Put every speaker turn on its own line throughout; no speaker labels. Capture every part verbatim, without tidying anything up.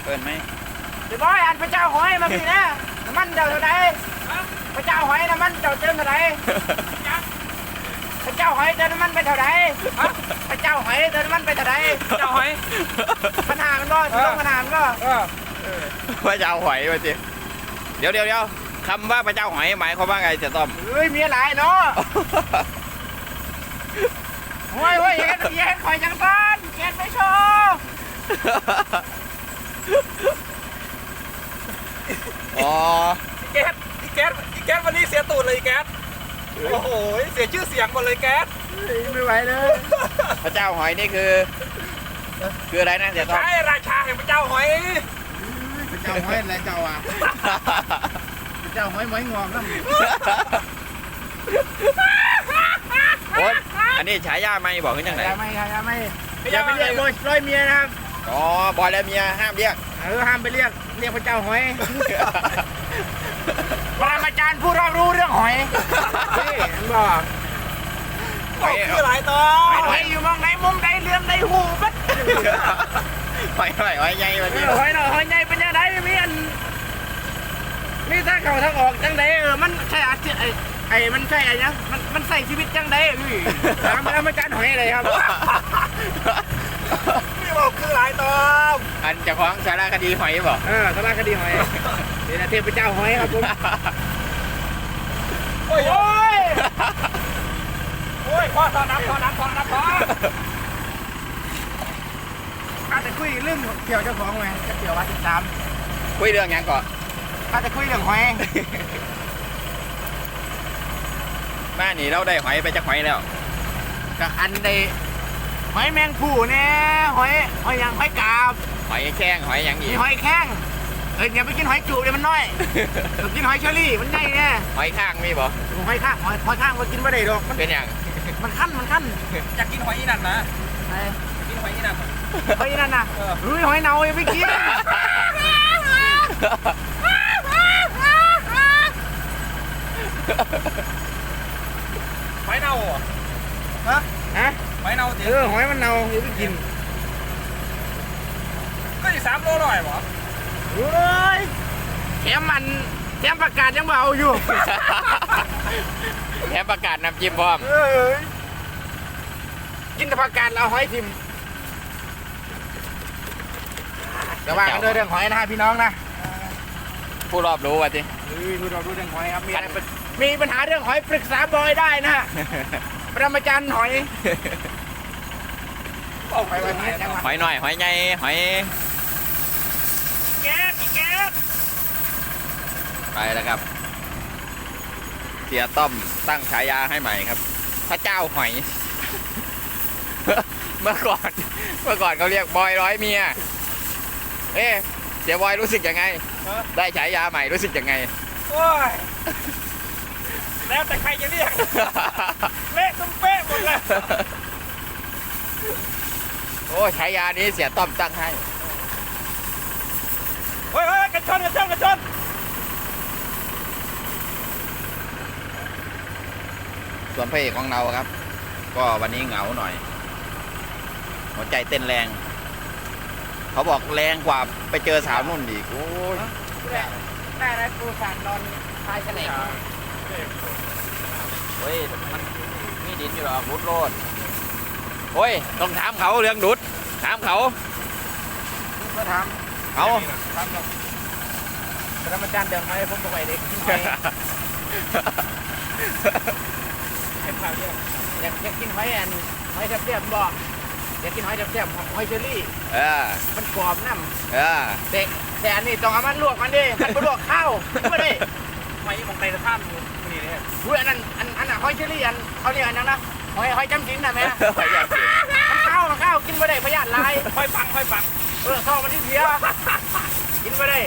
เปิดไหม
เดี๋ยวบอยอันพระเจ้าหอยมาพี่นะน้ำมันเจ้าเท่าไหร่พระเจ้าหอยน้ำมันเจ้าเติมเท่าไหร่พระเจ้าหอยเติมน้ำมันไปเท่าไหร่พระเจ้าหอยเติมน้ำมันไปเท่าไหร่
เจ้าหอย
ปัญหามันก็ต้องปัญหามันก็
พระเจ้าหอยมาสิเดี๋ยวเดี๋ยวเดี๋ยวคำว่าพระเจ้าหอยหมายความว่าไงเสียต้อม
เฮ้ยมีอะไรเนาะโอ้ยโอ้ยอย่าเย็นคอยจังบ้านเย็นไม่ชอบ
อ๋อ
แก๊สอีแก๊สอีแก๊สวันนี้เสียตูดเลยแก๊สโอ้โหเสียชื่อเสียงหมดเลยแก๊ส
ไม่ไหวเลย
พระเจ้าหอยนี่คือคืออะไรนะเสียต้อม
ใช่ราชาแห่งพระเจ้าหอย
พระเจ้าหอยอะไรเจ้าอ่ะพระเจ้าหอยหมอยงอกนั่น
โอ๊ยอันนี้ฉายาไม่บอกขึ้นยังไง
ฉายาไม่ฉายาไม่อย่าไปเรียกบอยร้อยเมียนะครับ
อ๋อบอยและเมียห้ามเรียก
เออห้ามไปเรียกเรียกพระเจ้าหอยปรมาจารย์ผู้รอบรู้เรื่องหอยนี่บอก
หอยคือหลายตัว
หอยอยู่มองไหนมุมไหนเลื่อมไหนหูบัด
หอยหอยหอยใหญ่มาดิ
หอยหน่อยหอยใหญ่เป็นยังไงมีอันนี่ถ้าเขาทางออกจังไดเออมันใช่อาชีพไอ้ไอ้มันใช่ไอ้ยังมันมันใส่ชีวิตจังไดพี่ถามปรมาจารย์หอยอะไรครับ
นี่บอกคือหลายตัว
อันจะคล้องสารคดีหอยบอก
เออสารคดีหอยนี่นะเทพเจ้าหอยครับผม
โอ้ยโอ้ยโอ้ยพ่อตอนนับพ่อนับพ่อนับพ่อ
ข้าจะคุยเรื่องเกี่ยวเจ้าของไงจะเกี่ยวว่าสิบสาม
คุยเรื่องยังก่อน
ข้าจะคุยเรื่องหอย
บ้านนี้เราได้หอยไปจากหอยแล้ว
กับอันใดหอยแมงผู้เนี่ยหอยหอยยังหอยกาบ
หอยแข้งหอยยังอี
กหอยแข้งเอ้ยอย่าไปกินหอยจูบเลยมันน้อยต้องกินหอยเชอรี่มันใหญ่แน่
หอยข้างมีบ่
หอยข้างหอยหอยข้างก็กินไม่ได้หรอก
เป็นอย่าง
มันขั้นมันขั้น
อยากกินหอยอีนั่นนะกินหอยอีนั่น
หอยอีนั่นนะเฮ้ยหอยเน่าอย่าไปกิน
หอยเน่า
ฮะฮะ
หอยเน่า
เออหอยมันเน่าอย่าไปกิน
ก็อีกสามโลหน่อยหรอ
เฮ้ยแถมมันแถมประกาศยังเบาอยู่
แถมประกาศนำจิ้มพร้อม
กินแต่ประกาศเราหอยทิมเดี๋ยวว่ากันด้วยเรื่องหอยนะพี่น้องนะ
ผู้รอบรู้ว่าจิ
ผู้รอบรู้เรื่องหอยครับมีมีปัญหาเรื่องหอยปรึกษาบอยได้นะฮะปรมาจารย์หอย
หอยหน่อยหอยใหญ่หอย
แก๊สแก๊ส
ไปแล้วครับเสียต้อมตั้งฉายาให้ใหม่ครับพระเจ้าหอยเมื่อก่อนเมื่อก่อนเขาเรียกบอยร้อยเมียเอ๊ะเสียบอยรู้สึกยังไงได้ฉายาใหม่รู้สึกยังไง
โอ้ยแล้วแต่ใครจะเรียกเละตุ้มเป๊ะหมดเลย
โอ้ฉายานี้เสียต้อมตั้งให้
เฮ้ยกระชอนกระชอนกระชอน
ส่วนพระเอกของเราครับก็วันนี้เหงาหน่อยหัวใจเต้นแรงเขาบอกแรงกว่าไปเจอสาวนุ่นอีกโอ้ย
ได้ได้ปูสานนอนทายแฉลง
เฮ้ยมันมีดินอยู่หรอบุดโรดโอ้ยต้องถามเขาเรื่องดุดถามเขา
ก็ถาม
เขา
ถามเราปรมาจารย์เดิมไหมผมบอกไปเด็กอยากอยากกินหอยอันหอยแซ่บๆบอกอยากกินหอยแซ่บๆหอยเชอรี่
เออ
มันกรอบน้ำ
เออ
แต่แต่อันนี้ต้องเอามันลวกมันดิมันไปลวกข้าวไม่ได้
หอยมองไตสะพานอยู่นี่เนี่ย
อุ้ยอันนั้นอันอันน่ะหอยเชอรี่อันเขาเรียกอันนั้นนะหอยหอยจำศีลนะแม่
หอยจำศีล
มันข้าวมันข้าวกินไม่ได้พยาธิลาย
หอยปังหอยปัง
เออท้องมันที่เสียกินไม่ได้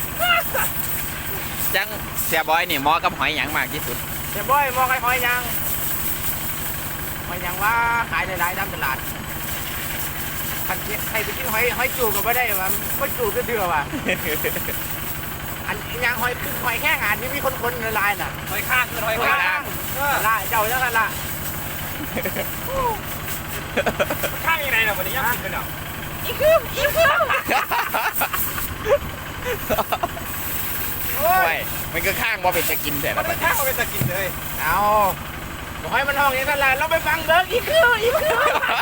จังเสียบอยนี่เหมาะกับหอยหยังมากที่สุด
เสียบอยมองไอ้หอยยังหอยยังว่าขายหลายๆตามตลาดใครไปกินหอยหอยจูบก็ไม่ได้ว่าไม่จูบก็เดือว่ะอันยังหอยคือหอยแค่งานที่มีคนคนละลายน่ะ
หอยข้างคือหอยข้าง
ละเจ้าแล้วกันละ
ข้างยังไงน่ะวันนี้ยังกินกันเหรอ
อีกคืออีกคือ
บ่เป็นจะกินแต่
มั
ละ
น
บั
ไม่
ด
ข้า
นี้
วไปตะกินเลย
เอาบอกให้มันห้องอย่างนั้นแหละเราไปฟังเบิร์กอีกคืออีกคือ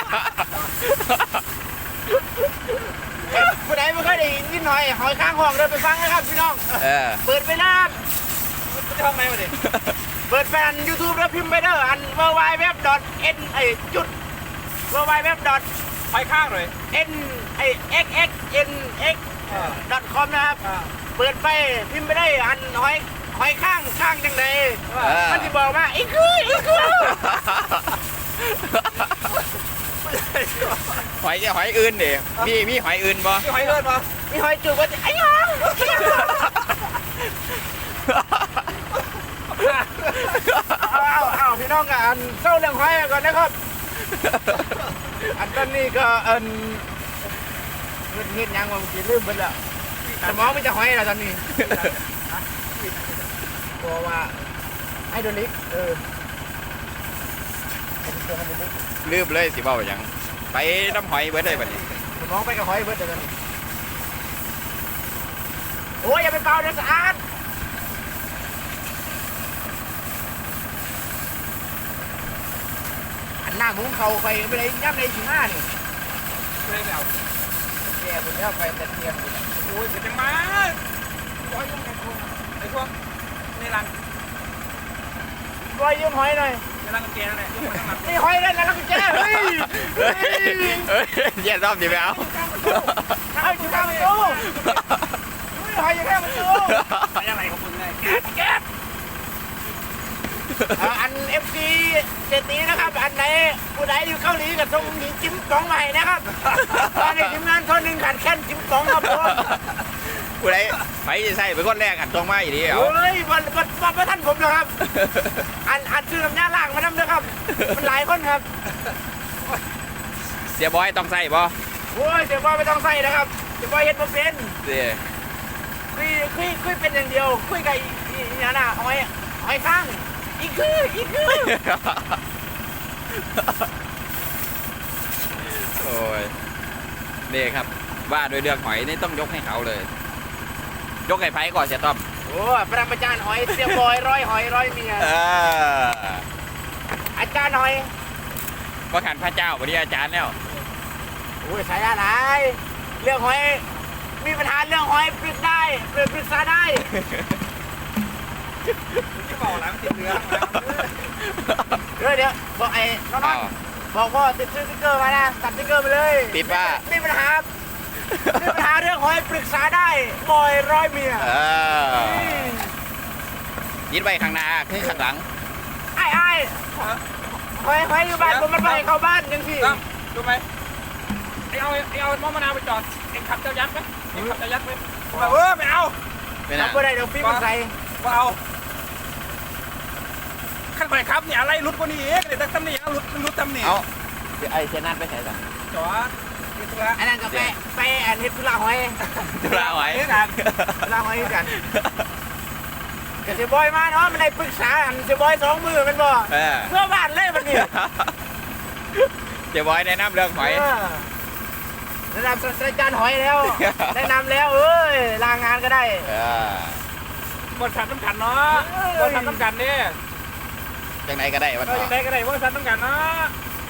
ผู้ใดไม่เคยได้ยินนิดหน่อยหอยข้างห้องเดินไปฟังนะครับพี่น้อง
เออ
เปิดไปนะ
มันจะห้องไหนวะดิ
เปิดแฟน YouTube แล้วพิมพ์ไปเด้ออัน w w w n ไอจุด w w w
ไปข้างเลย
n ไอ x x n x com นะครับ เปิดไปพิมพ์ไปได้อันหอยหอยข้างข้างจังใด
เออ
มันจะบอกว่าอีกคืออีกคือ
หอยจะหอยอื่นดิมีมีหอยอื่นบ่
ที่หอยเลิศปะ
มีหอยจูบว่าไอ้ยังเอาเอาเอาพี่น้องกันอันเศร้าเรื่องหอยก่อนนะครับ อันตอนนี้ก็อันเงินเงินยังว่าเมื่อกี้ลืมไปแล้วสมองไม่จะหอยแล้วตอนนี้กลัวว่าไฮโดรลิกเออเป็นตัวไฮโดรลิก
ลืมเลยสิเว้าหยังไปน้ำหอยเบิดเลยบัดนี้
สมองไปกับหอยเบิร์ดเดี๋ยวนี้โอ้ยอย่าไปเป่าเดี๋ยวสะอาดอันหน้ามุ้งเขาไปไปเลยย่ำในสิบห้านี่
เลยแล้ว
แกผมจะไปแต่เทียมอยู่
โอ้ยเกิดจังมาร้อยยังไงพวกไอ้พวกในรัง
รอยยืมหอยหน่อย
ในรังเกงนั่นแหละยกมาทั้งหลัง
นี่หอยได้แล้วเราก็แจ้เฮ้ยเฮ้ย
เฮ้ยเย็นรอบดีไปเอา
เอาอยู่ข้างประตูหอยอยู่ข้างประตู
ไปอะไรของมึงเนี่ยแก๊สแก๊ส
อันเอฟซีเจตีนะครับ อันไหนผู้ใดอยู่เกาหลีกับทรงหญิงจิ้มกล่องใหม่นะครับตอนนี้ทีมงานคนหนึ่งขาดแค่นจิ้มกล่องครับผม
ผู้ใดไปจะใส่เป็นคนแรกอันตรงมาอีดีเอา
เฮ้ยวันวันวันประท่านผมนะครับ อันอันชื่อลำยาล่างมาทำนะครับ มันหลายคนครับ
เสียบอยต้องใส่บ่
โอ้ยเดี๋ยวว่าไม่ต้องใส่นะครับเดี๋ยวว่าเฮ็ดมาเป็น
เสีย
คุยคุยคุยเป็นอย่างเดียว คุยกับอีอีอีนั่นน่ะหอยหอยข้างอีกคืออีกคือ
โอ้ยนี่ครับว่าโดยเรื่องหอยนี่ต้องยกให้เขาเลย ยกให้ไผ่ก่อนเสียต้อม
โอ้ประมาจารย์หอยเสียบอยร้อยหอยร้อยเมีย
เออ
อาจารย์หอย
ว่าขันพระเจ้าวันนี้อาจารย์แล้ว
โอ้ยสายอะไรเรื่องหอยมีปัญหาเรื่องหอยปรึกได้ปรึกปรึกษาได้
ที่บอกแล้วติดเนื้อ
เดี๋ยวเดี๋ยวบอกไอ้น้องๆบอกว่าติดสติ๊กเกอร์มานะตัดสติ๊กเกอร์ไปเลย
ติดว่า
มีปัญหามีปัญหาเรื่องหอยปรึกษาได้บอยร้อยเมีย
เออยิดไว้ข้างหน้าขึ้นข้างหลัง
ไอ้ไอ้หอยหอยอยู่บ้านผมมันไปเข้าบ้านยังสิ
ตั้มดูไหมไอ้เอาไอ้เอามอมะนาวไปจอดเอ็งขับเจ้ายักษ์ไหมเอ็งขับเจ้ายักษ์ไหมแบบเออไม่เอา
เป็น
ทำ
อะ
เพื่ออะไรเดี๋ยวฟิล์มมันใส่
ว่าเอาขั้นไปครับเนี่ยอะไรรุดกว่านี้เองเลยแต่ตำหนิรุดรุดตำหนิ
เอาไอ้เชนัทไปใส่สั่ง
จอดนี่ตัว
อันนั้นก็ไปไปอันเฮ็ดธุระหอย
ตุลาไว้
เฮ็ดกันธุระหอยกันกับเสียบอยมาเนาะมันได้ปรึกษาอันเสียบอยสองมือมันบ่
เออ
เพื่อบ้านเลยมันนี่
เดี๋ยวบอยแนะนำเรื่องหอย
แนะนำศาสตราจารย์หอยแล้วแนะนำแล้วเอ้ยลางงานก็ได้
เออบ
ริษัทน้ำกันเนาะบริษัทน้ำกันเนี่ย
จังไหนก็ได้วัน
เรา
ต่
อ
อ
ยังไงก็ได้บริษัทน้ำกันเนาะ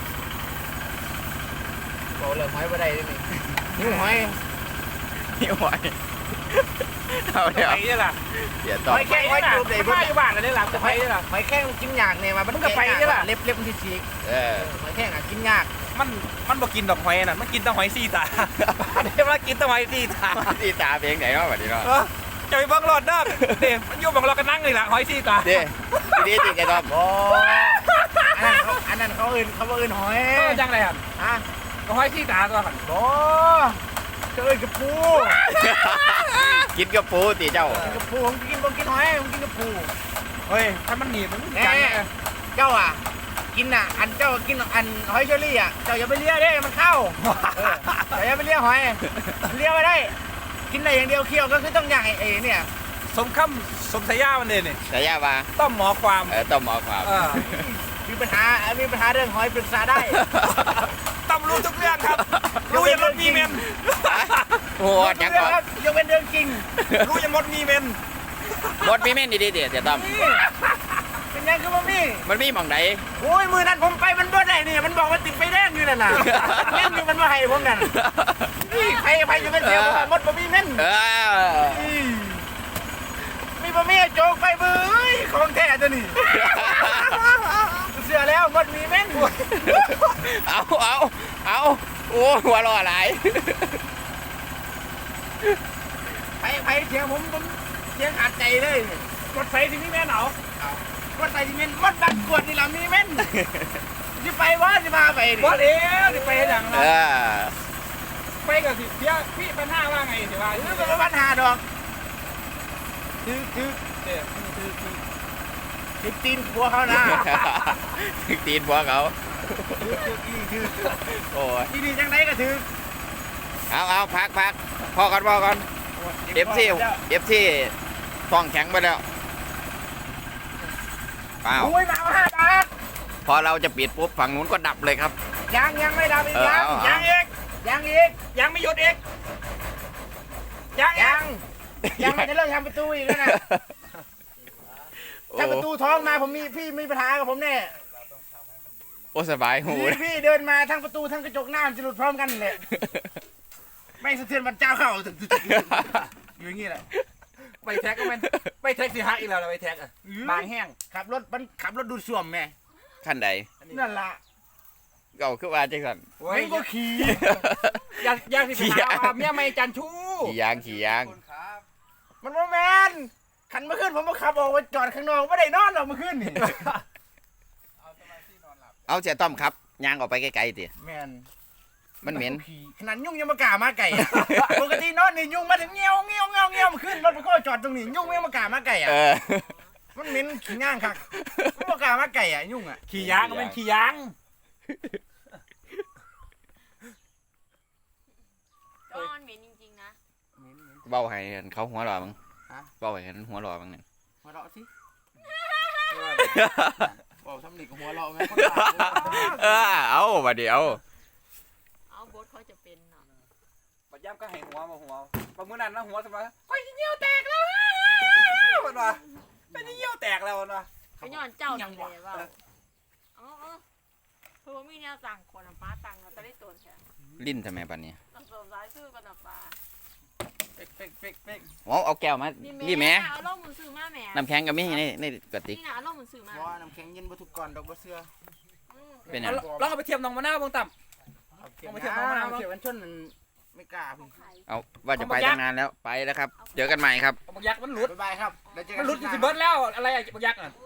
บอกเรื่องหอยบ่ได้เลยนี่หิวหอย
หิวหอยเอาเดี๋ยว
ไปนี่ล่ะ
เดี๋ยวต่อ
หอยแข้งหอยจูบได้
ไป
บ่
อยู่บ้านเลยนี่ล่ะจะไปนี่ล่ะ
หอยแข้งกินยากเนี่ยมามัน
มึงก็ไปใช่ปะ
เล็บเล็บมันที่ฉีก
เออ
หอยแข้งอ่ะกินยาก
มันมันบ่กินดอกหอยน่ะมันกินแต่หอยซี่ตาอันนี้มันกินแต่หอยซี่ตา
ที่ตาเพลงไหนเนาะวันนี้เนาะ
เออจะไปเบิ่งรถเด้อเด้มันอยู่บังเราก็นั่งนี่ล่ะหอยซี่ตา
เด้ทีนี้จริงไงต้อม
โอ้อันนั้นเขาอันนั้นเขาอื่นเขาบ่อื่นหอย
เออจังไรครับ
ฮะ
ก็หอยซี่ตาตัวกัน
โอ้เจอกับปู
กินกับปูตีเจ้า
กินกับปูผมกินผมกินหอยผมกินกับปู
เฮ้ยถ้ามันหนีบมัน
แน่
จังเลย
เจ้าอ่ะกินอ่ะอันเจ้ากินอันหอยเชอรี่อ่ะเจ้าอย่าไปเลี้ยเด้มันเข้าเออเจ้าอย่าไปเลี้ยหอยเลี้ยไม่ได้ กินได้อย่างเดียวเคี่ยวก็คือต้องย่างไอ้ไอ้เนี่ย
สมคำสมสายามันเลยนี่
แต่ย่ามา
ต้อมหมอความ
เออต้อมหมอความ
เออ
มีปัญหามีปัญหาเรื่องหอยปรึกษาได้
ต้อมรู้ทุกเรื่องครับ รู้ยังมดมีเมน
โอ้ยจัง
เรื่
ก่
อ
อง น
ครับยกเป็นเรื่องจริง
รู้ยังมดมีเมน
บดมีเม่นดีๆเดี๋ยวเดี๋ยวต้อม
เป็นยังคือบ่มี
มันมีหม่องไหน
โอ้ยมือนั้นผมไปมันบ่ได้นี่มันบอกว่าติดไฟแดงอยู่นั่นน่ะเล่นอยู่มันบ่ให้ผมนั่นนี่ใครใครจะเป็นเสียผมมดบ่มีเม่น
เออ
มีบ่มีโจกไปเบ้ยของแท้ตัวนี้เสือแล้วมดมีเม่น
เอาเอาเอาโอ้หัวเรอหลาย
ไปไปเสียงผมผมเสียงขาดใจเลย
รถไฟที่นี่แม่เหนาร
ถไฟที่เม่นมดดักกวดนี่ล่ะมีเม่นสิไปวะสิพาไปดิ
บอสเอ๋สิไปอย่าง
เอ
นั้น
อ
ไปกับสิเพี้ยพี่ปัญหาว่าไงสิว่า
หรือเป็นปัญหาดอกคือคือ
เด็ก
คือคือคือตีนหัวเขานะ
ถึงตีนบัวเขา
คือคือคือ
โอ้ย
ที่นี่จังไดก็ถือ
เอาเอาพักพักพอก่อนพอก่อนเอฟซีเอฟซีท้องแข็งไปแล้วเปล่า
โอ้ยมาเอาห้าบาท
พอเราจะปิดปุ๊บฝั่งนู้นก็ดับเลยครับ
ยังยังไม่ดับอีก
เออ
ยัง
เอาเอา
ยังอีกยังอีก
ยังไม่หยุดอีกยัง
ยังยังไม่ได้เริ่มทำประตูอีกแล้วนะ
โอ้
ถ้าประตูท้องมาผมมีพี่มีปัญหากับผมแน่
โอ้สบายหู
พี่พี่เดินมาทั้งประตูทั้งกระจกหน้ามันจะหลุดพร้อมกันเลยไม่งสะเทือนบรรเจ้าเข้าถึงอยู่อย่างนี้แหละ
ไปแท็กก็มันไปแท็กสิฮักอีกแล้วไปแท็กอ่ะบางแห้ง
ขับรถมันขับรถดูดซ่วมแม่
ขั้นใด
นั่นล่ะ
เก่าขึ้นมาจังสัน
โอ้ย
ไม่งก็ขี่
อยากอยากสิไปหาว่าเมียไม่จันชู้
ขี่ยางขี่ยาง
มันโมแมนขันเมื่อคืนผมมาขับออกมาจอดข้างนอกไม่ได้นอนหรอกเมื่อคืนนี่
เอาเสียต้อมครับยางออกไปไกลๆติ
แมน
มันเหม็น
ขนาดยุ่งยังมากล้ามาไก่อะปกตินอนนี่ยุ่งมาถึงเงี้ยวเงี้ยวเงี้ยวเงี้ยวมาขึ้นรถไปก็จอดตรงนี้ยุ่งยังมากล้ามาไก่อะ
เออ
มันเหม็นขี้ง่างคักมันมากล้ามาไก่อะยุ่งอะ
ขี่ยางก็เป็นขี่ยาง
ก็มันเหม็นจริงๆนะ
เบ้าให้เขาหัวหล่อมั้งเบ้าให้หัวหล่อมั้งเนี่ย
หัวเราะสิบอกทำหนิกับหัวเราะไหม
เออเอามาเดี๋ยว
เอาบดเขาจะเป็นเนาะ
ปัจย่ำก็ให้หัวมาหัวประมือนั้นนะหัวสมัยค่อยเยี่ยวแตกแล้วมันว่าไม่ได้เยี่ยวแตกแล้วมันว่า
ก็ย้อนเจ้านี่เลยว่าเอาเอาเพราะว่ามีแนวสั่งคนฟ้าตังเราจะได้ตัวแค่
ลิ้นทำไมปันนี้
เราสวมสายซื้อกันนะฟ้า
เป๊กเป๊กเป๊กเป๊ก
เอาเอาแก้วมานี่แม่
เอาล่มมือซื้อมาแม่
น้ำแข็งก็มีในในกระติก
นี่นะเอาล่มมือซื้อมา
ว่าน้ำแข็งเย็นบรทุกก่อนดอกบัวเสือ
เป็นหยั
เอา
ง
ลองเอาไปเทียมน้องมะนาวบางต่ำ
เอาเขียวเอาเขียวกันชนมันไม่กล้าพี่
ไข่
เอาว่าจะไปตั้งนานแล้วไปแล้วครับเจอกันใหม่ครับ
เอาบักยักษ์มันหลุด
บ๊ายบายครับแล้วเจอกั
มัน
น
หลุดอยู่สิเบิร์ดแล้วอะไรอะบักยักษ์อ่ะ